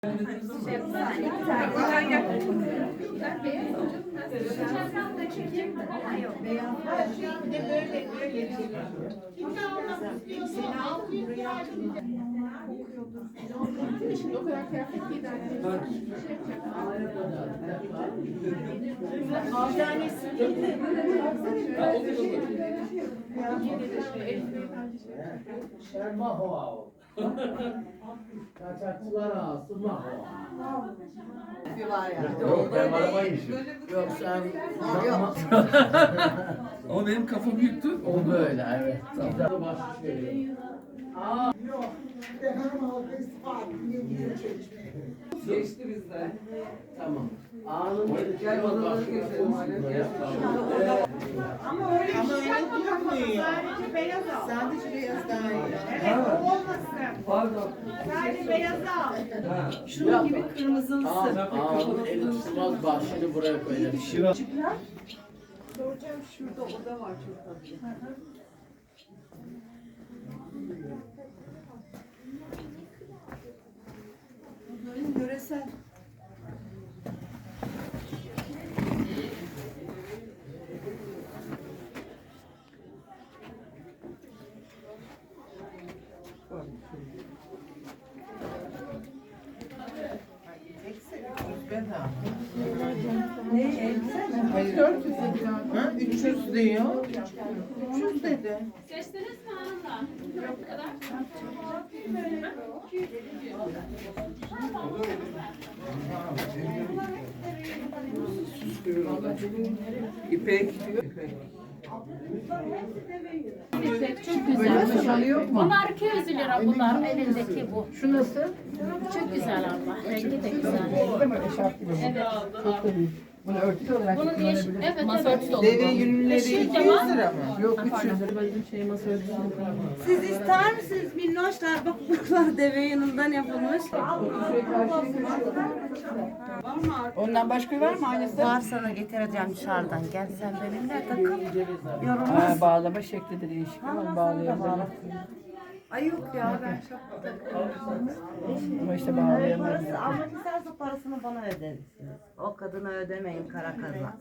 O kadar kıyafet giydi. Kaçakçılar ağası mahva. Yok ben arabaymışım. Yok sen Yok. Ama benim kafa büyüktü. o böyle evet. Tamam. Başlık veriyorum. Geçti bizden. Tamam. A'nın Gel odaları geçelim. Ama öyle durmuyor. Sadece beyaz al. Sadece beyaz daha iyi. Evet, o olmasın. Pardon. Sadece beyaz al. şunun gibi kırmızılısı. A'nın eli tutmaz başını buraya koyalım. Soracağım, şurada oda var çok tatlı. Bunların yöresel. Ne elbise mi? Hayır. 400 dedi. Ha? 300 diyor. 300 dedi. Seçtiniz mi hanımlar? Yok bu kadar. İpek. İpek çok güzel. Bunlar 200 lira bunlar elindeki bu. Şu nasıl? Çok güzel abla. Rengi de güzel. Evet. Bunu örtü olarak Bunun değiş evet masa evet. örtüsü olur. Deve yünleri 200 lira mı? Yok 300 lira. Bizim şey masa örtüsü. Siz ister misiniz minnoşlar? Bak bunlar deve yunundan yapılmış. Ondan başka var mı aynısı? Var, sana getireceğim dışarıdan. Gel sen benimle takıl. Yorulmaz. Ha, bağlama şekli de değişik ama bağlayabilirim. Ay yok ya, ben çok Ama işte bağlayamam. parası almak isterse parasını bana ödersiniz. O kadına ödemeyin, kara kazan.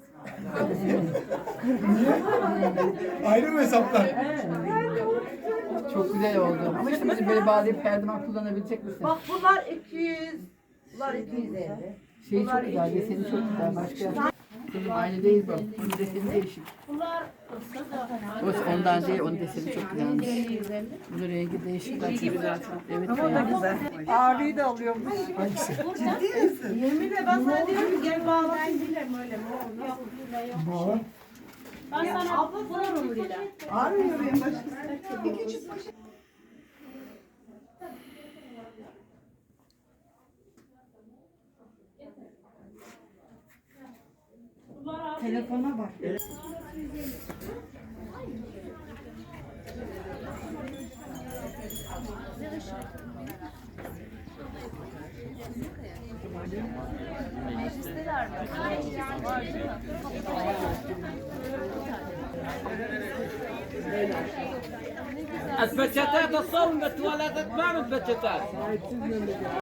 Ayrı mı hesaplar? Çok güzel oldu. Ama işte bizi böyle bağlayıp her zaman kullanabilecek misin? Bak bunlar 200. Bunlar 250. Şey çok güzel, deseni çok güzel. Başka kızım aynı değil bu. Onun deseni değişik. Bunlar O ondan değil, onun deseni çok güzelmiş. Bunun rengi değişik. Bak çok güzel. Evet. Ama o da güzel. Ağrıyı da alıyormuş. Hangisi? Ciddi misin? Yemin de ben sana diyorum ki gel bağla. Ben bilmem öyle mi? yok lila yok. Ben sana bulurum lila. Ağrıyor benim başım. Bir küçük poşet. Telefona bak. الباتشاتات الصوم التواليتات ما من باتشاتات